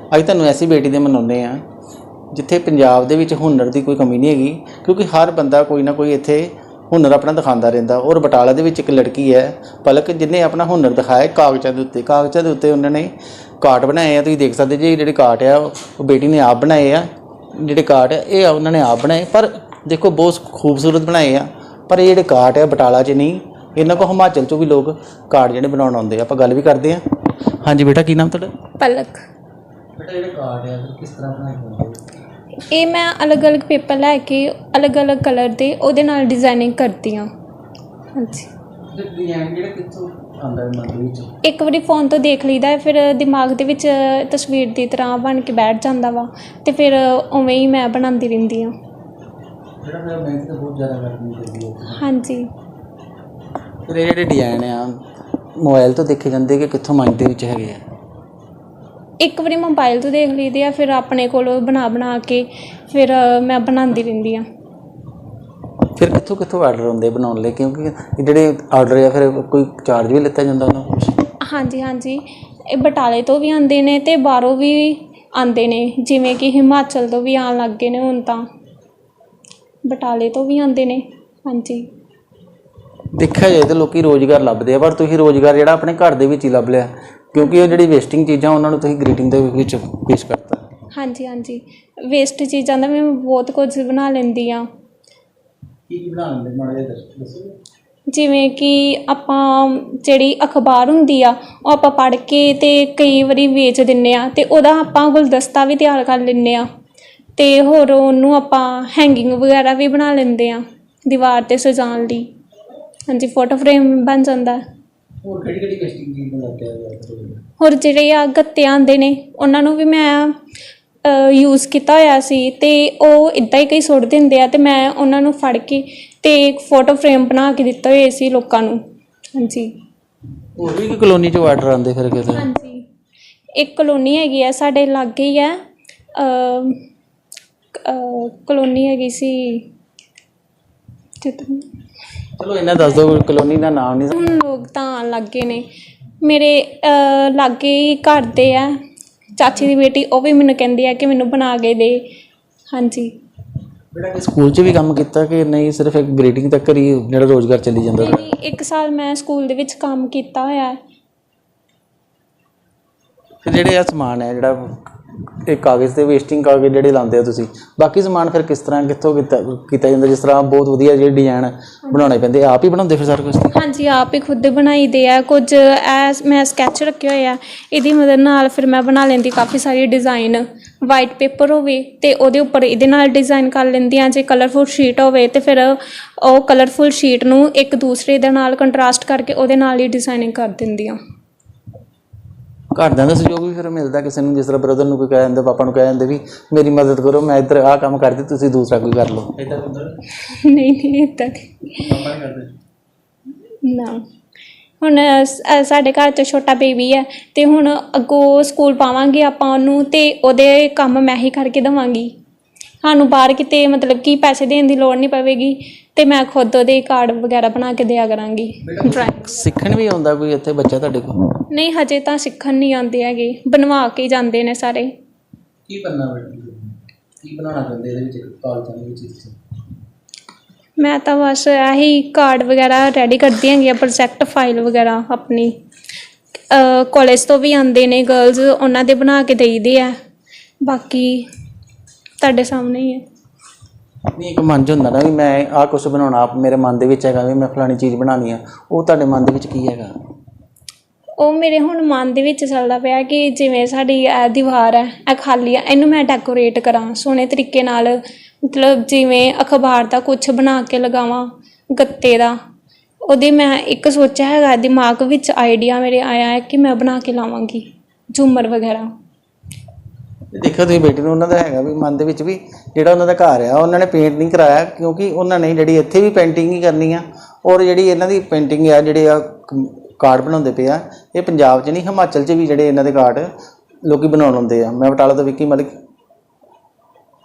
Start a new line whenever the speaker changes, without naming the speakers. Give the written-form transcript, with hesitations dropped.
ਅੱਜ ਤੁਹਾਨੂੰ ऐसी बेटी दे मनाउने आ जिथे पंजाब दे विच हुनर की कोई कमी नहीं हैगी, क्योंकि हर बंदा कोई ना कोई इत्थे हुनर अपना दिखाता रहता। और बटाला दे विच एक लड़की है पलक, जिन्हें अपना हुनर दिखाया कागज़ों के उत्ते उन्होंने कार्ड बनाए हैं। तुसीं देख सकते जी, जिहड़े कार्ड है वो बेटी ने आप बनाए आ। जिहड़े कार्ड है ये उन्होंने आप बनाए, पर देखो बहुत खूबसूरत बनाए आ। पर ये कार्ड है बटाला च नहीं, इन्हों को हिमाचल चों भी लोग कार्ड जिहड़े बनाउण आउंदे आ। आपां गल भी करते हैं। हाँ जी बेटा, की नाम तुहाडा?
पलक।
बेटा जिहड़े कार्ड है किस तरह बनाए होंदे?
ये मैं अलग अलग पेपर लैके अलग अलग कलर के ਉਹਦੇ ਨਾਲ डिजाइनिंग करती हाँ। हाँ जी,
डिजाइन जिहड़ा कित्थों आंदा है मन दे विच?
एक बारी फोन तो देख लीदा है, फिर दिमाग दे विच तस्वीर की तरह बन के बैठ जाता वा, तो फिर उवें ही मैं बनाती रहती हाँ।
जिहड़ा मेरा मेहनत बहुत ज़्यादा करनी पैंदी है।
हाँ जी,
फिर ये जिहड़े डिजाइन आ मोबाइल तो देखे जाते कि कित्थों माइंड दे विच हैगे आ?
एक बारी मोबाइल तो देख लीदे आ, फिर अपने कोलों बना के फिर मैं बनाती रहती हाँ।
फिर कित्थों कित्थों आर्डर आउंदे बनाउण लई, क्योंकि जिहड़े आर्डर आ फिर कोई चार्ज भी लिता जांदा उन्हां कोल?
हाँ जी, हाँ जी, ये बटाले तो भी आते हैं तो बाहरों भी आते हैं, जिमें कि हिमाचल तो भी आन लग गए ने हुण तां, बटाले तो भी आते हैं। हाँ जी,
देखा जाए तो लोग रोज़गार लभदे आ, पर तुसीं रोज़गार जिहड़ा अपने घर दे विच ही लभ लिया, क्योंकि वो जिहड़ी वेस्टिंग चीज़ां उन्हां नूं तुसीं ग्रीटिंग दे विच पेश करता।
हाँ जी, हाँ जी, वेस्ट चीज़ां दा मैं बहुत कुछ बना लैंदी हाँ।
की बना लैंदे माड़ा जिहा दस्सो?
जिमें कि आपां जिहड़ी अखबार हुंदी आ ओह आपां पढ़ के ते कई वारी वेच दिन्ने आ, ते ओहदा आपां गुलदस्ता भी तैयार कर लैंदे आ, ते होर ओहनूं आपां हैंगिंग वगैरह भी बना लैंदे आ दीवार ते सजाउण लई। हाँ जी, फोटो फ्रेम बन जाता है।
होर किहड़ी वेस्टिंग चीज़ बनाते हो?
होर जिहड़े आ गत्ते आंदे ने उन्हां नूं भी मैं यूज़ किया होया सी, ते ओह इदां ही कई सुੱਟ दिंदे आ, ते मैं उन्हां नूं फड़ के ते एक फोटो फ्रेम बना के दित्ते होए सी लोकां नूं। हाँ जी,
होर भी कलोनी चों आर्डर आंदे फिर किते?
हाँ जी, एक कलोनी हैगी है साडे लागे ही है, कलोनी हैगी सी,
चलो इन्ना दस दो कलोनी का नाम नहीं।
हुण लोग तां आन लग गए ने। मेरे लागे ही घर दे है चाची की बेटी, वह भी मैनूं कहंदी है कि मैनूं बना के दे। हाँ जी,
बेटा स्कूल च भी काम किया कि नहीं, सिर्फ एक ग्रीटिंग तक ही जिहड़ा रोज़गार चली जाता?
नहीं, एक साल मैं स्कूल दे विच काम किया होया है।
फिर जिहड़े आ समान है जिहड़ा एक कागज़ ते वेस्टिंग कागज़ जिहड़े लांदे हो तुसीं, बाकी समान फिर किस तरह कित्थों कीता जांदा? जिस तरह बहुत वधिया जिहड़े डिजाइन बनाने पैंदे, आप ही बनाउंदे फिर सारा कुछ?
हाँ जी, आप ही खुद बनाई दे है कुछ। मैं स्कैच रखे हुए है, इहदी मदद नाल फिर मैं बना लैंदी काफ़ी सारी डिज़ाइन। वाइट पेपर होवे ते ओहदे उपर इहदे नाल डिज़ाइन कर लैंदी आं। जे कलरफुल शीट होवे ते फिर ओह कलरफुल शीट नूं एक दूसरे दे नाल कंट्रास्ट करके ओहदे नाल ही डिज़ाइनिंग कर दिंदी आं।
घरदिਆਂ ਦਾ सहयोग भी फिर मिलता किसी ਨੂੰ? जिस तरह ब्रदर ਨੂੰ कोई कह जाते, पापा ਨੂੰ कह जाते भी मेरी मदद करो, मैं इधर आ काम करती, तुसीं दूसरा कोई कर लो?
नहीं नहीं, इदां ना। हुण साडे घर 'च छोटा बेबी है, तो हुण अग्गों स्कूल पावांगे आपां उहनूं, ते ओहदे कम्म मैं ही करके देवांगी। सानूं बाहर किते मतलब कि पैसे देने की लोड़ नहीं पवेगी, तो मैं खुद ਉਹਦੇ कार्ड वगैरह बना के दिया करांगी। ड्राइंग
सीखण भी आउंदा कोई इत्थे बच्चा तुहाडे कोल?
नहीं, हजे तो सीखण नहीं आते हैगे, बनवा के ही जाते हैं सारे।
की बनना बेटा, की बनाना चाहते इहदे विच कागज़ां दे विच?
मैं तो बस यही कार्ड वगैरह रेडी करती हैगी, प्रोजैक्ट फाइल वगैरह अपनी। कॉलेज तो भी आते ने गर्ल्स, उन्होंने दे बना के देईदे है। बाकी तुहाडे सामने ही है।
नहीं एक मन च हुंदा ना भी मैं आ कुछ बनाउणा, मेरे मन दे विच हैगा भी मैं फलानी चीज़ बनानी है, वो तुहाडे मन दे विच की हैगा?
ਉਹ ਮੇਰੇ ਹੁਣ ਮਨ ਦੇ ਵਿੱਚ ਚੱਲਦਾ ਪਿਆ ਕਿ ਜਿਵੇਂ ਸਾਡੀ ਇਹ ਦੀਵਾਰ ਹੈ, ਇਹ ਖਾਲੀ ਆ, ਇਹਨੂੰ ਮੈਂ ਡੈਕੋਰੇਟ ਕਰਾਂ ਸੋਹਣੇ ਤਰੀਕੇ ਨਾਲ, ਮਤਲਬ ਜਿਵੇਂ ਅਖਬਾਰ ਦਾ ਕੁਛ ਬਣਾ ਕੇ ਲਗਾਵਾਂ ਗੱਤੇ ਦਾ। ਉਹਦੇ ਮੈਂ ਇੱਕ ਸੋਚਿਆ ਹੈਗਾ ਦਿਮਾਗ ਵਿੱਚ, ਆਈਡੀਆ ਮੇਰੇ ਆਇਆ ਹੈ ਕਿ ਮੈਂ ਬਣਾ ਕੇ ਲਾਵਾਂਗੀ ਝੂਮਰ ਵਗੈਰਾ।
देखो तुसीं बेटी नूं उन्हां दा हैगा भी मन दे विच भी जिहड़ा उन्हां दा घर आ उन्होंने पेंट नहीं कराया, क्योंकि उन्होंने जिहड़ी इत्थे भी पेंटिंग ही करनी आ, और जिहड़ी इन्हां दी पेंटिंग आ जिहड़े आ कार्ड बनाउंदे पे आ, ये पंजाब च नहीं हिमाचल च भी जिहड़े इन्हां दे कार्ड लोकी बनाउण आउंदे आ। मैं बटाला तो विक्की मलिक।